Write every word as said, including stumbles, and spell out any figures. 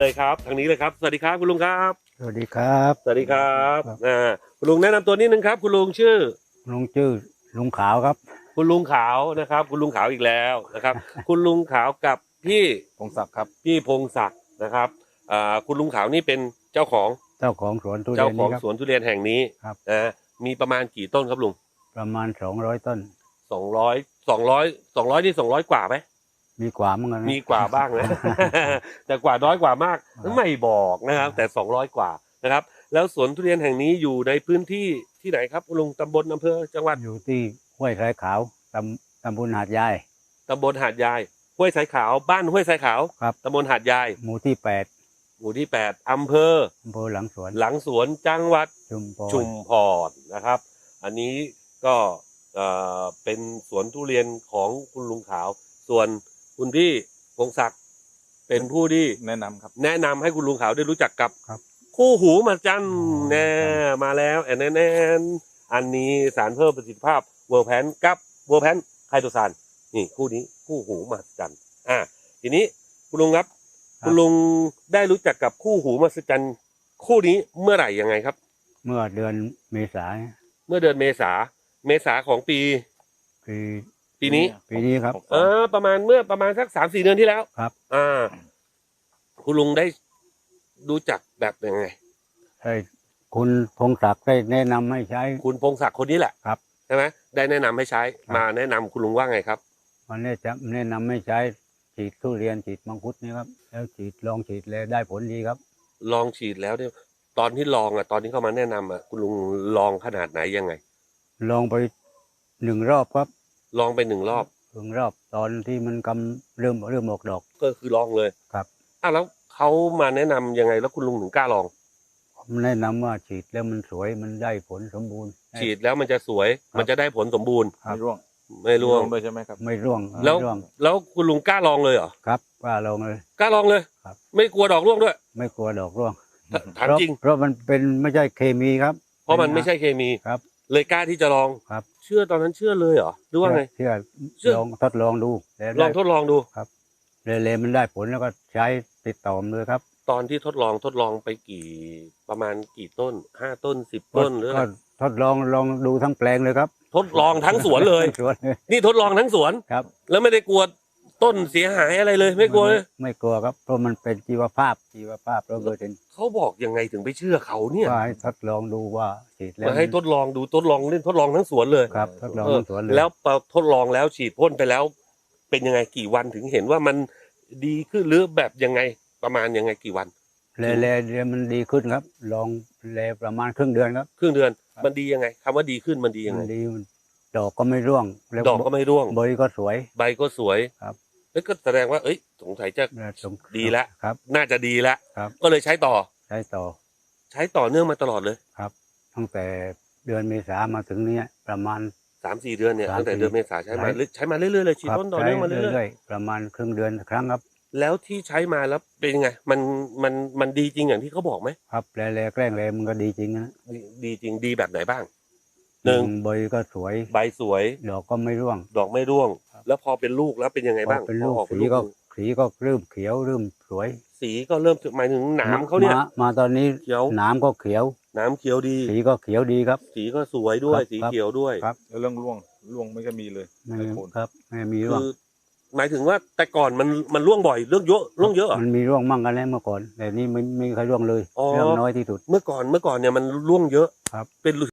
เลยครับทางนี้เลยครับสวัสดีครับคุณลุงครับสวัสดีครับสวัสดีครับครับอ่าคุณลุงแนะนำตัวนิดนึงครับคุณลุงชื่อลุงชื่อลุงขาวครับคุณลุงขาวนะครับคุณลุงขาวอีกแล้วนะครับคุณลุงขาวกับพี่พงศักดิ์ครับพี่พงศักดิ์นะครับอ่าคุณลุงขาวนี่เป็นเจ้าของเจ้าของสวนทุเรีเจ้ายนของนี้ครับสวนทุเรียนแห่งนี้ครับนะมีประมาณกี่ต้นครับลุงประมาณสองร้อยต้นสองร้อยสองร้อยสองร้อยนี่สองร้อยกว่าไหมมีกว่ามั้งนะมีกว่าบ้างนะ แต่กว่าน้อยกว่ามากครับไม่บอกนะครับ แต่สองร้อยกว่านะครับ แล้วสวนทุเรียนแห่งนี้อยู่ในพื้นที่ที่ไหนครับคุณลุงตำบลอำเภอจังหวัดอยู่ที่ห้วยสายขาวตำตำบลหาดยายตำบลหาดยายห้วยสายขาวบ้านห้วยสายขาวครับตำบลหาดยายหมู่ที่แปดหมู่ที่แปดอำเภออำเภอหลังสวนหลังสวนจังหวัดชุมพรชุมพรนะครับ อันนี้ก็เอ่อเป็นสวนทุเรียนของคุณลุงขาว ส่วนคุณพี่พงศักดิ์เป็นผู้ที่แนะนำครับแนะนำให้คุณลุงขาวได้รู้จักกับครับคู่หูมาจันอ๋อแน่มาแล้วแอนแอนแอนอันนี้สารเพิ่มประสิทธิภาพเวอร์แพนกับเวอร์แพนไคโตซานนี่คู่นี้คู่หูมาจันอ่าทีนี้คุณลุงครับ คุณลุงได้รู้จักกับคู่หูมาจันคู่นี้เมื่อไหร่ยังไงครับเมื่อเดือนเมษายนเมื่อเดือนเมษาเมษาของปีปีปีนี้ปีนี้ครับเออประมาณเมื่อประมาณสักสามสี่เดือนที่แล้วครับอ่า คุณลุงได้รู้จักแบบยังไงให้คุณพงศักดิ์ได้แนะนำให้ใช้คุณพงศักดิ์คนนี้แหละครับใช่ไหมได้แนะนำให้ใช้ครับมาแนะนำคุณลุงว่าไงครับวันนี้จะแนะนำให้ใช้ฉีดทุเรียนฉีดมังคุดนี่ครับแล้วฉีดลองฉีดเลยได้ผลดีครับลองฉีดแล้วเนี่ยตอนที่ลองอ่ะตอนที่เข้ามาแนะนำอ่ะคุณลุงลองขนาดไหนยังไงลองไปหนึ่งรอบครับลองไปหนึ่งรอบหนึ่งรอบตอนที่มันกำเริ่มเริ่มออกดอกก็คือลองเลยครับอ้าวแล้วเขามาแนะนำยังไงแล้วคุณลุงถึงกล้าลองผมแนะนำว่าฉีดแล้วมันสวยมันได้ผลสมบูรณ์ฉีดแล้วมันจะสวยครับมันจะได้ผลสมบูรณ์ครับไม่ร่วงไม่ร่วงด้วยใช่ไหมครับไม่ร่วงแล้วไม่ร่วงแล้วคุณลุงกล้าลองเลยเหรอครับว่าลองเลยกล้าลองเลยครับไม่กลัวดอกร่วงด้วยไม่กลัวดอกร่วงถามเพราะจริงเพราะมันเป็นไม่ใช่เคมีครับเพราะมันไม่ใช่เคมีครับเลยกล้าที่จะลองครับเชื่อตอนนั้นเชื่อเลยเหรอหรือว่าไงเชื่อเชื่อลองทดลองดูแล้วลองทดลองดูเลยเลยมันได้ผลแล้วก็ใช้ติดต่อมเลยครับตอนที่ทดลองทดลองไปกี่ประมาณกี่ต้นห้าต้นสิบต้นหรืออะไรก็ทดลองลองดูทั้งแปลงเลยครับทดลองทั้งสวนเลยทั้งสวนเลยนี่ทดลองทั้งสวนครับแล้วไม่ได้กลัวต้นเสียหายอะไรเลย ไม่กลัวเลยไม่กลัวครับเพราะมันเป็นชีวภาพชีวภาพเราเกิดเห็นเขาบอกยังไงถึงไปเชื่อเขาเนี่ยว่าให้ทดลองดูว่าฉีดแล้วมาให้ทดลองดูทดลองเล่นทดลองทั้งสวนเลยครับทดลองเออทั้งสวนเลยแล้วพอทดลองแล้วฉีดพ่นไปแล้ว เป็นยังไงกี่วันถึงเห็นว่ามันดีขึ้นหรือแบบยังไงประมาณยังไงกี่วันแลแลเดี๋ยวมันดีขึ้นครับ ลองแลประมาณครึ่งเดือนครับครึ่งเดือนครับมันดียังไงคำว่าดีขึ้นมันดียังมัไงนดีมันดอกก็ไม่ร่วงแล้วดอกก็ไม่ร่วงใบก็สวยใบก็สวยครับแล้วก็แสดงว่าเอ้ยสงสัยจะและสงดีแล้วครับน่าจะดีแล้วครับก็เลยใช้ต่อใช้ต่อใช้ต่อเนื่องมาตลอดเลยครับ ตั้งแต่เดือนเมษามาถึงเนี้ยประมาณสามสี่เดือนเนี่ยสามตั้งแต่สี่เดือนเมษาใช้มาหลายเรื่อยใช้มาเรื่อยๆเลยฉีดครับพ่นต่อเนื่องมาใช้เรื่อยอยๆประมาณครึ่งเดือนครั้งครับๆแล้วที่ใช้มาแล้วเป็นยังไงมันมันมันดีจริงอย่างที่เขาบอกไหมครับแลแลแกล้งแลมันก็ดีจริงนะดีดีจริงดีแบบไหนบ้างหนึ่งใบก็สวยใบสวยดอกก็ไม่ร่วงดอกไม่ร่วงครับแล้วพอเป็นลูกแล้วเป็นยังไงบ้างพอเป็นลูกพอออกสีเป็นก็ลูกสีก็เริ่มเขียวเริ่มสวยสีก็เริ่มหมายถึงหนามเขาเนี่ยมามาตอนนี้เขียวหนามก็เขียวหนามเขียวดีสีก็เขียวดีครับสีก็สวยด้วยครับสีครับเขียวด้วยครับแล้วเรื่องร่วงร่วงไม่ก็มีเลยไม่ไม่ผลครับไม่มีร่วงคือหมายถึงว่าแต่ก่อนมันมันร่วงบ่อยเรื่องเยอะร่วงเยอะเหรอมันมีร่วงมั่งกันแล้วเมื่อก่อน แต่นี่ไม่ไม่มีใครร่วงเลยอ๋อเรื่องน้อยที่สุดเมื่อก่อนเมื่อก่อนเนี่ยมันร่วงเยอะครับเป็น